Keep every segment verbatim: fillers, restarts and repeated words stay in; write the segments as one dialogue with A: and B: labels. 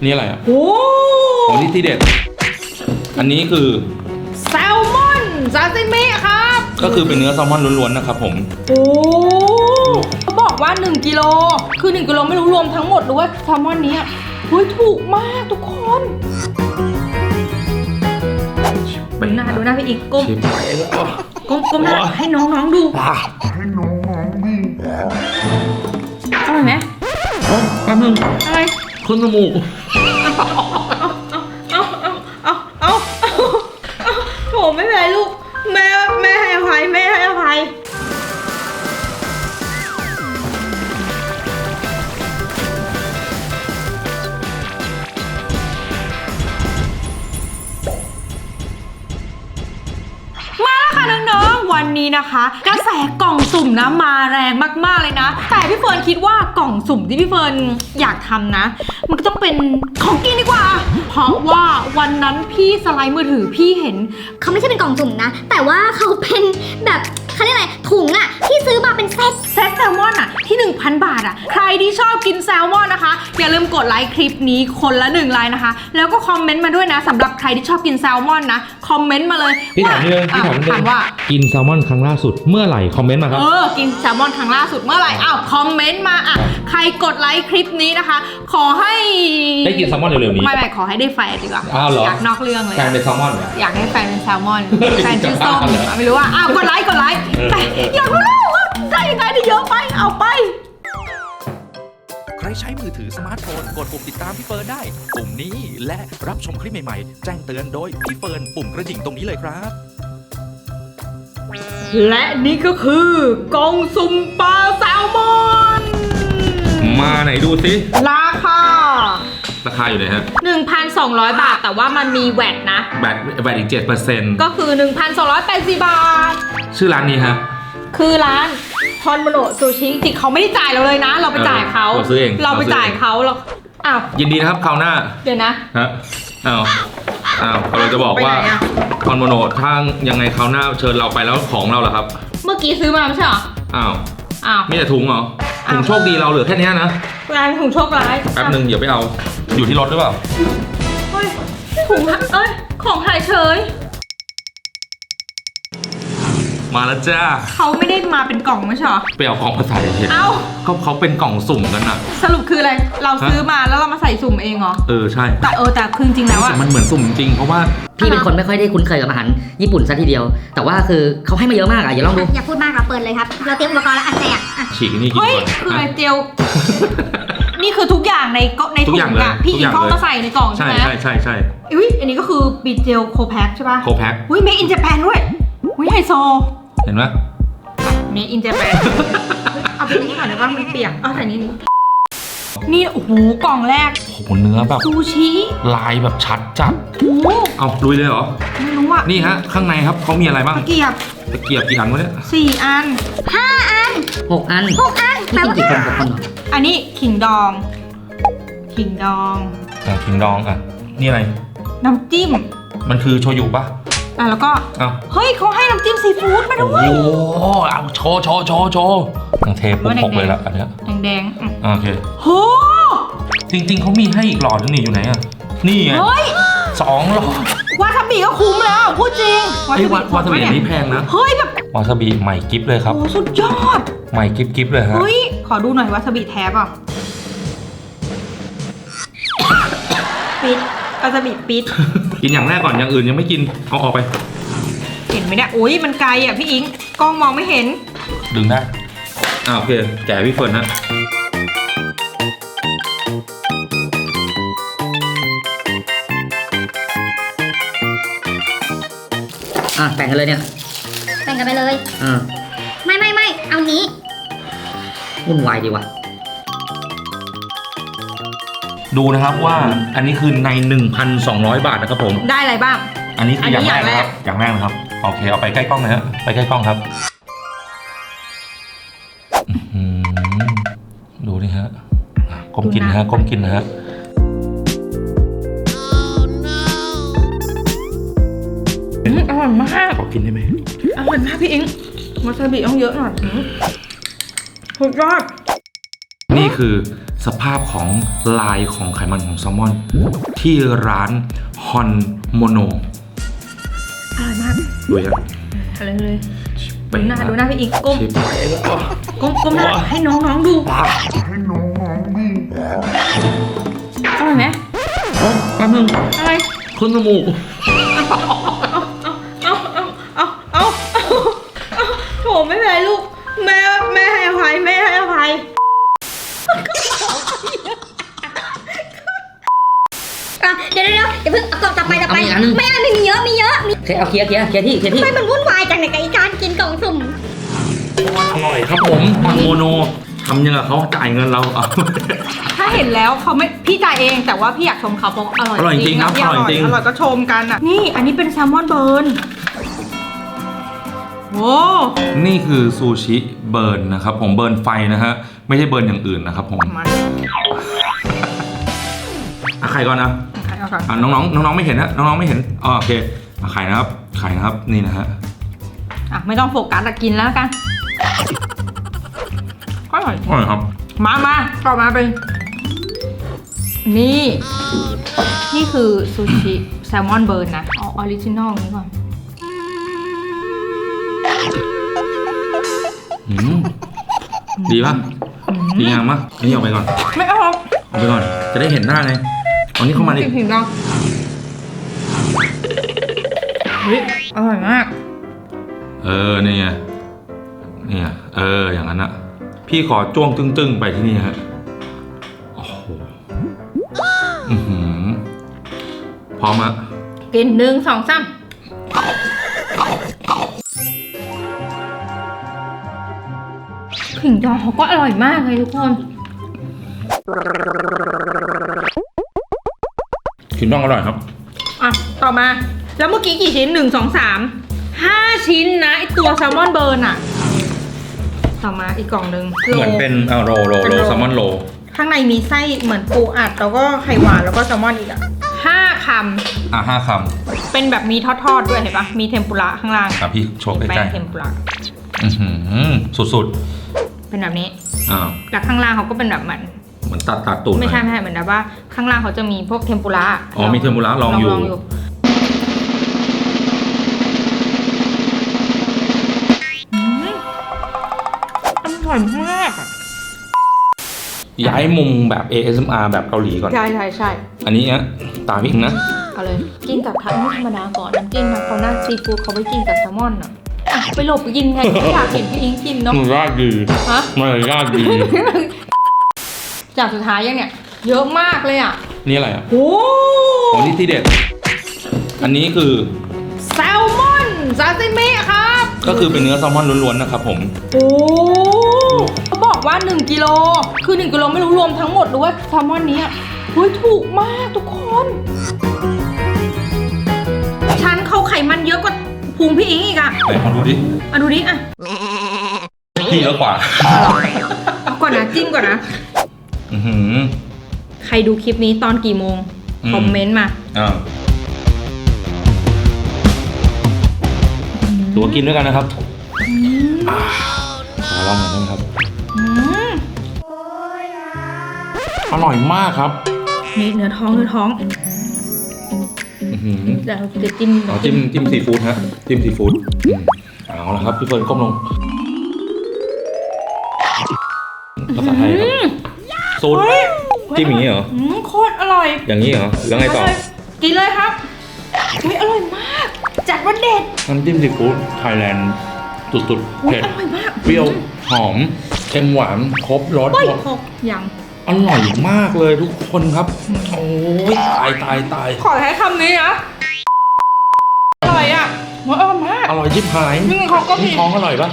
A: นี่อะไรอ่ะ
B: โอ้
A: โอ้นี่ที่เด็ดอันนี้คือ
B: แซลมอนซาซิมิครับ
A: ก็คือเป็นเนื้อแซลมอนล้วนๆนะครับผม
B: โอ้เขาบอกว่าหนึ่งกิโลคือหนึ่งกิโลไม่รู้รวมทั้งหมดหรือว่าแซลมอนนี้เฮ้ยถูกมากทุกคนดูหน้าดูหน้าพี่อีกก้มก้มก้มหน้าให้น้องๆดูให้น้องๆดูอร่อยไหม
A: แป๊บนึง
B: อะไร
A: ขึ้นจมูก
B: เอาเอาเอาเอาเอาโถไม่เป็นไรลูกแม่แม่ให้อภัยแม่ให้อภัยน้องๆวันนี้นะคะกระแสกล่องสุ่มนะมาแรงมากๆเลยนะแต่พี่เฟิร์นคิดว่ากล่องสุ่มที่พี่เฟิร์นอยากทำนะมันก็ต้องเป็นของกินดีกว่าเพราะว่าวันนั้นพี่สไลด์มือถือพี่เห็น
C: เขาไม่ใช่เป็นกล่องสุ่มนะแต่ว่าเขาเป็นแบบเขาเรียกอะไรถุงอะที่ซื้อมาเป็นเซต
B: เซตแซลมอนอะที่ หนึ่งพัน บาทอะใครที่ชอบกินแซลมอนนะคะอย่าลืมกดไลค์คลิปนี้คนละหนึ่งไลค์นะคะแล้วก็คอมเมนต์มาด้วยนะสำหรับใครที่ชอบกินแซลมอนนะคอมเมนต์มาเลย
A: พี่ถามนี่เลยพี่ถามนี่เลย
B: ว่า
A: กินแซลมอนครั้งล่าสุดเมื่อไหร่คอมเมนต์มาครับ
B: เออกินแซลมอนครั้งล่าสุดเมื่อไหร่อ้าวคอมเมนต์มาอ่ะใครกดไลค์คลิปนี้นะคะขอให้
A: ได้กินแซลมอนเร็วๆนี้
B: ไม่ไม่ขอให้ได้แฟนดีกว่า
A: อ้าวเหรอ
B: อยากนอกเรื่องเลย
A: แฟนเป็นแซลมอน
B: อยากให้แฟนเป็นแซลมอนแฟนชื่อส้มไม่รู้ว่าอ้าวกดไลค์กดไลค์แต่อยากรู้แล้วว่าได้ยังไงได้เยอะไปเอาไป
D: ใครใช้มือถือสมาร์ทโฟนกดปุ่มติดตามพี่เฟิร์นได้ปุ่มนี้และรับชมคลิปใหม่ๆแจ้งเตือนโดยพี่เฟิร์นปุ่มกระดิ่งตรงนี้เลยครับ
B: และนี่ก็คือกล่องสุ่มปลาแซลมอน
A: มาไหนดูสิ
B: ราคา
A: ราคาอยู่ไหนฮะ
B: หนึ่งพันสองร้อย บาทแต่ว่ามันมีแวตนะ
A: แวตแวตอีก เจ็ดเปอร์เซ็นต์
B: ก็คือ หนึ่งพันสองร้อยแปดสิบ บาท
A: ชื่อร้านนี้ฮะ
B: คือร้านฮอนโมโนซูชิจริงเขาไม่ได้จ่ายเราเลยนะเราไปจ่ายเขา
A: เราซื้อเอง
B: เราไปจ่ายเขาเราอ้าว
A: ยินดีนะครับคราวหน้า
B: เดี๋ยวนะ
A: ฮะอ้าวอ้าวเราจะบอกว่าฮอนโมโนถ้ายังไงคราวหน้าเชิญเราไปแล้วของเราเหรอครับ
B: เมื่อกี้ซื้อมาไม่ใช่เหรอ
A: อ้าว
B: อ้าว
A: มีแต่ถุงเหรอถุงโชคดีเราเหลือแค่นี้นะ
B: ร้านถุงโชคร้าย
A: แป๊บนึงเดี๋ยวไปเอาอยู่ที่รถหรือเปล่า
B: เฮ้ยถุงเอ้ยของหายเฉย
A: มาแล้วจ้า
B: เขาไม่ได้มาเป็นกล่องไม่ใช่หรอ
A: ไปเอากล่องมาใส่เห็น
B: เอ้า
A: เขาเขาเป็นกล่องสุ่มกันอะ
B: สรุปคืออะไรเราซื้อมาแล้วเรามาใส่สุ่มเองเหรอ
A: เออใช่
B: แต่เออแต่คือจริงแล้วอะ
A: มันเหมือนสุ่มจริงเพราะว่า
E: พี่เป็นคนไม่ค่อยได้คุ้นเคยกับอาหารญี่ปุ่นซะทีเดียวแต่ว่าคือเขาให้มาเยอะมากอะอย่าลองดู
C: อย่าพูดมากเราเปิดเลยครับเราเตรียมอุปกรณ์แล้วอันแรก
A: ฉีกนี่กินก่อน
B: เฮ้ยคืออะไรเจียวนี่คือทุกอย่างในก็ในถุงอะพี่อีกเข้ามาใส่ในกล่องใช่ไหม
A: ใช่ใช่ใช่
B: อุ้ยอันนี้ก็คือบีเจลโคแพ็คใช่ป่ะ
A: โคแพ็ค
B: อุ้ยเมคอินเจแปนด้วยอุ้ยไฮโซ
A: เห็นไหม
B: เมคอินเจแปนเอาไปนี้ก่อนเดี๋ยวว่ามันเปียกเอาใส่นี่นี่โอ้โหกล่องแรก
A: โอ้โหเนื้อแบบ
B: ซูชิ
A: ลายแบบชัดจัด
B: โอ้
A: เอาลุยเลยเหรอ
B: ไม่รู้อะ
A: นี่ฮะข้างในครับเขามีอะไรบ้าง
B: ตะเกียบ
A: ตะเกียบกี่อันวะเนี่ย
B: สี่อัน
C: ห้าอัน
E: หกอัน
C: หกอัน
E: แปลว่ากี่คนหกคน
B: อันนี้ขิงดองขิงดอง
A: อ่ะขิงดองอ่ะนี่อะไร
B: น้ำจิ้ม
A: มันคือโชยุป่ะ
B: อ่ะแล้วก็เฮ้ยเขาให้น้ำจิ้มซีฟู้ดมาด้วย
A: โอ้เอาโชว์โชว์โชว์โชว์ทั้งเทปุ๊บหกเลยละอันเนี้ย
B: แดง
A: ๆโอเค
B: โห
A: จริงๆเขามีให้อีกหลอดนึงนี่อยู่ไหนอ่ะนี่ไง
B: เฮ้ย
A: สองหลอด
B: วาซาบิก็คุ้มแล้วพูดจริง
A: วาซาบิวาซาบิอันนี้แพงนะ
B: เฮ้ยแบบ
A: วาซาบิใหม่กิฟเลยครับ
B: โอ้สุดยอด
A: ใหม่กิฟกิฟเลยฮะ
B: เฮ้ยขอดูหน่อยวาซาบิแท้ป่ะปิดวาซาบิปิด
A: กินอย่างแรกก่อนอย่างอื่นยังไม่กินเอาออกไป
B: เห็นไหมเนี่ยอุ้ยมันไกลอ่ะพี่อิงกล้องมองไม่เห็น
A: ดึงได้อ่าโอเคแกะพี่เฟิร์นนะ
E: อ่ะแบ่งกันเลยเนี่ย
C: แบ่งกันไปเลย
E: อ่า
C: ไม่ไม่ไม่เอานี้
E: วุ่นวายดีว่ะ
A: ดูนะครับว่าอันนี้คือใน หนึ่งพันสองร้อย บาทนะครับผม
B: ได้อะไรบ้าง
A: อันนี้คืออย่างแรกนะครับอย่างแรกนะครับโอเคเอาไปใกล้กล้องเลยฮะไปใกล้กล้องครับดูนี่ฮะก้มกินนะฮะก้มกินนะฮะ
B: อร่อยมาก
A: ขอกินได้ไหม
B: อร่อยมากพี่อิงวาซาบิต้องเยอะหน่อยสุดยอด
A: นี่คือสภาพของลายของไขมันของแซลมอน ที่ร้านฮอนโมโน
B: อร่อยมาก
A: ดูยัง
B: อะไรเลยดูหน้าดูหน้าพี่อิงก้ม
A: ชิบ
B: ก้มก้มหน้าให้น้องๆดูอร่อยไหม
A: โอ้แป๊บนึง
B: อะไร
A: ขึ้นจมูก
B: เอาเอาเอาเอาเอาโถไม่เป็นไรลูกแม่แม่ให้อภัยแม่ให้อภัย
C: อ่ะเดี๋ยวเดี๋ยวเดี๋ยวเพิ่งเอากล่องต่อไปต่อไป
E: เอาอีกอันหนึ่ง
C: ไม่เอาไม่มีเยอะมีเยอะมี
E: โอเคเอาเคลียร์เคลียร์เคลียร์ที่เคลียร์ที่
C: ไม่มันวุ่นวายจังในกับไอ้การกินกล่องสุ่ม
A: อร่อยครับผมฮอนโมโนทำยังไงเขาจ่ายเงินเราเอา
B: ถ้าเห็นแล้วเขาไม่พี่จ่ายเองแต่ว่าพี่อยากชมเขาเพราะอร่อย
A: อร่อยจริงครับ
B: พี่
A: อร่อยจริง
B: อร่อยก็ชมกันอ่ะนี่อันนี้เป็นแซลมอนเบิร์นโอ้
A: นี่คือซูชิเบิร์นนะครับผมเบิร์นไฟนะฮะไม่ใช่เบิร์นอย่างอื่นนะครับผม
B: มัน
A: อ่ะไข่ก่อนนะ
B: เอาก่อน
A: อ่ะน้องๆน้องๆไม่เห็นนะน้องๆไม่เห็นอ๋อโอเคอ่ะไข่นะครับไข่นะครับนี่นะฮะ
B: อ่ะไม่ต้องโฟกัสแต่กินแล้วกันอร่อย
A: อร่อยครับ
B: มามาต่อมาเป็นนี่ นี่คือซูชิแซลมอนเบิร์นนะเอาออริจินอลนี้ก่อน
A: อืมดีป่ะดีงามป่ะอันนี้ออกไปก่อน
B: ไม่เอา
A: ออกไปก่อนจะได้เห็นหน้าไงเอานี้เข้ามาดิ
B: ถึงเราเฮ้ยอร่อยมาก
A: เออนี่ไงนี่ไงเอออย่างนั้นอะพี่ขอจ้วงตึ้งๆไปที่นี่ฮะโอ้โหอือหือพร้อมอะ
B: กินหนึ่งสองสามขิงดองเขาก็อร่อยมากเลยทุกคน
A: ขิงดองอร่อยครับ
B: อ่ะ ต่อมา แล้วเมื่อกี้กี่ชิ้นหนึ่งสองสามห้าชิ้นนะไอตัวแซลมอนเบิร์นอะต่อมาอีกกล่องหนึ่ง
A: เหมือนเป็นอ่าโรโร
B: เป็น
A: โร
B: โร
A: แซลมอนโร
B: ข้างในมีไส้เหมือนปูอัดแล้วก็ไข่หวานแล้วก็แซลมอนอีกอะห้าค
A: อ่ะห้าค
B: ำเป็นแบบมีทอดๆด้วยเห็นปะมีเทมปุระข้างล่าง
A: ำอ่ะพี่โชว์ใก
B: แป้
A: ล้
B: งเทมปุระ
A: ๆอือหือสุด
B: เป็นแบบนี้
A: ๆอ่า
B: แล้วข้างล่างเขาก็เป็นแบบเหมือน
A: เหมือนตัดตัดตูด
B: ไม่ใช่
A: หน่อย
B: ไม่ใช่เหมือนแบบว่าข้างล่างเขาจะมีพวกเทมปุระ
A: อ๋อมีเทมปุระลองอยู่
B: อืมอร่อยมากอะ
A: ย้ายมุมแบบ เอ เอส เอ็ม อาร์ แบบเกาหลีก่อน
B: ใช่ใช่ใช่
A: อันนี้นะตามพี่อิงนะ
B: เอาเลยกินกับทันไม่ธรรมดาก่อนน้ำจิ้มนะเขาหน้าซีฟู้ดเขาไปกินกับแซลมอนอ่ะอ่ะไปหลบไปกินไงไม่อยากเห็นพี่อิงกินเนาะ
A: มันยากดี
B: ฮะ
A: มันยากดี
B: จากสุดท้ายยังเนี่ยเยอะมากเลยอ่ะ
A: นี่อะไรอ่ะ
B: โอ้
A: อ๋อนี่ที่เด็ด อันนี้คือ
B: แซลมอนซาซิมิครับ
A: ก็คือเป็นเนื้อแซลมอนล้วนๆนะครับผม
B: โอ้เขาบอกว่าหนึ่งกิโลคือหนึ่งกิโลไม่รู้รวมทั้งหมดหรือว่าแซลมอนนี้อ่ะเฮ้ยถูกมากทุกคนชั้นเขาไขมันเยอะกว่าพุงพี่อิงอีกอ่ะ
A: ไหนมาดูดิ
B: อ่ะดูดิอ่ะ
A: พี่เยอะกว่า
B: เอาก่อนนะจิ้มก่อนนะ
A: อือหือ
B: ใครดูคลิปนี้ตอนกี่โมง
A: อืม
B: คอมเมนต์มา
A: อ่าตัวกินด้วยกันนะครับอ่าขอลองหน่อยได้ไหมครับ
B: อืม
A: อร่อยมากครับ
B: นี่เนื้อท้องเนื้อท้อง
A: อื้อหือ
B: เดี๋ยวจะจิ้ม
A: เอาจิ้มจิ้มซีฟู้ดฮะจิ้มซีฟู้ดอืมเอาละครับพี่เฟิร์นก้มลงภาษาไทยครับสูตรจิ้มอย่างนี้เหรอ
B: อืมโคตรอร่อย
A: อย่างนี้เหรอแล้วไงต่อ
B: กินเลยครับอุ้ยอร่อยมาก จัดว่าเด็ด
A: น้ำจิ้มซีฟู้ดไทยแลนด์สุดๆ
B: อุ้ย
A: เผ็ด
B: อร่อยมาก
A: เปรี้ยวหอมเค็มหวานครบรส
B: เฮ้ยหกยัง
A: อร่อยมากเลยทุกคนครับ โอ้ยตายตายตาย
B: ขอใช้คำนี้นะอร่อยอ่ะมันอร่อยมาก
A: อร่อยชิบหาย
B: นี่เขาก็มี
A: ท้องอร่อยปะ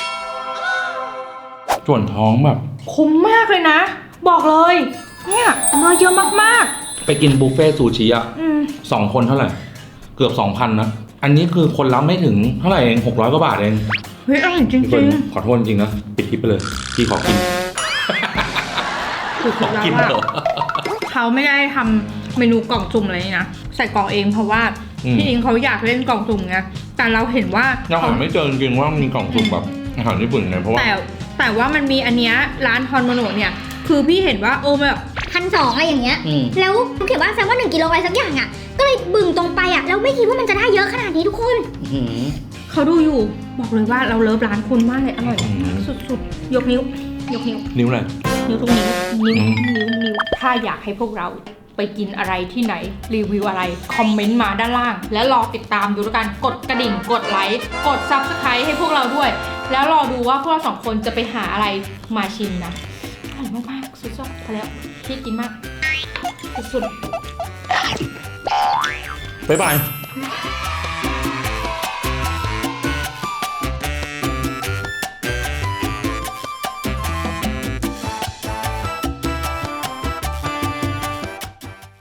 A: ส่วนท้องแบบ
B: คุ้มมากเลยนะ บอกเลย เนี่ยเนื้อเยอะมาก
A: ไปกินบุฟเฟ่ต์ซูชิอ่ะ
B: ๆอืม
A: สองคนเท่าไหร่ เกือบสองพันนะ อันนี้คือคนรับไม่ถึงเท่าไหร่เองหกร้อยกว่าบาทเอง
B: เฮ้ยอร่อยจริ
A: พี่เฟิร์
B: ง
A: นขอโทษจริงๆนะ ปิดคลิปไปเลย พี่ขอกิน
B: ๆคือ
A: ขอ
B: แล้ว
A: กิน
B: ว่า
A: เหรอ
B: เขาไม่ได้ทำเมนูกล่องสุ่มอะไรนี่นะใส่กล่องเองเพราะว่า
A: อืม
B: พี่อิงเขาอยากเล่นกล่องสุ่มไงแต่เราเห็นว่า
A: ยังหาไม่เจอจริงๆว่ามีกล่องสุ่มแบบอาหารญี่ปุ่นไงเพราะว่า
B: แต่แต่ว่ามันมีอันเนี้ยร้านฮอนโมโนะเนี่ยคือพี่เห็นว่าเออแบบ
C: พันสองอะไรอย่างเงี้ย
E: อืม
C: แล้วเขียนว่าแซมว่าหนึ่งกิโลอะไรสักอย่างอ่ะ ก็เลยบึ่งตรงไปอ่ะ แล้วไม่คิดว่ามันจะได้เยอะขนาดนี้ทุกคน
E: อื้อหือ
B: เขาดูอยู่บอกเลยว่าเราเลิฟร้านคุณมากเลยอร่อย
A: อืม
B: สุดๆ ยกนิ้ว ยกนิ้ว
A: นิ้วอะไร
B: นิ้วทุกนิ้ว นิ้ว
A: อืม
B: นิ้ว นิ้ว ถ้าอยากให้พวกเราไปกินอะไรที่ไหน รีวิวอะไร คอมเมนต์มาด้านล่าง แล้วรอติดตามดูแล้วกัน กดกระดิ่ง กดไลค์ กด ซับสไครบ์ ให้พวกเราด้วย แล้วรอดูว่าพวกเราสองคนจะไปหาอะไรมาชิมนะอร่อยมากๆ สุดๆพอแล้วพี่กินมาก สุดๆ
A: บ๊ายบาย
B: บ